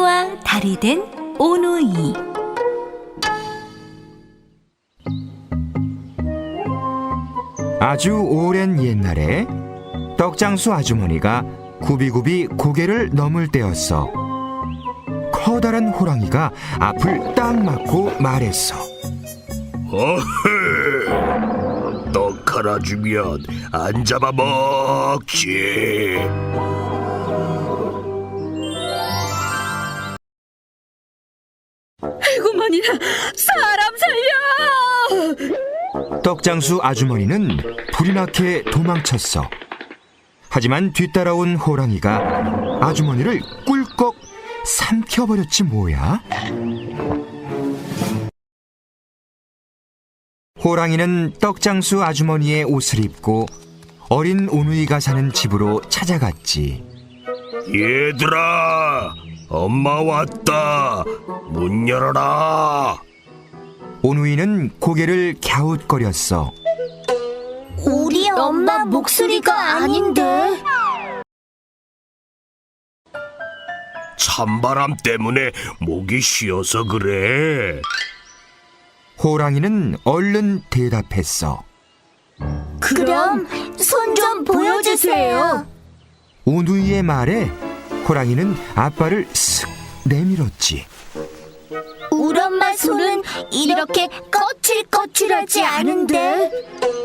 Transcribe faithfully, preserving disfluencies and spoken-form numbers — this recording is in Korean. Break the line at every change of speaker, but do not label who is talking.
그때와 달이 된 오누이.
아주 오랜 옛날에 떡장수 아주머니가 굽이굽이 고개를 넘을 때였어. 커다란 호랑이가 앞을 딱 막고 말했어.
어헤, 떡 하나 주면 안 잡아먹지.
아이고머니나, 사람 살려!
떡장수 아주머니는 불이 나게 도망쳤어. 하지만 뒤따라온 호랑이가 아주머니를 꿀꺽 삼켜버렸지 뭐야. 호랑이는 떡장수 아주머니의 옷을 입고 어린 오누이가 사는 집으로 찾아갔지.
얘들아, 엄마 왔다. 문 열어라.
오누이는 고개를 갸웃거렸어.
우리 엄마 목소리가 아닌데.
찬바람 때문에 목이 쉬어서 그래.
호랑이는 얼른 대답했어.
그럼 손 좀 보여주세요.
오누이의 말에 호랑이는 앞발을 쓱 내밀었지.
우리 엄마 손은 이렇게 거칠거칠하지 않은데.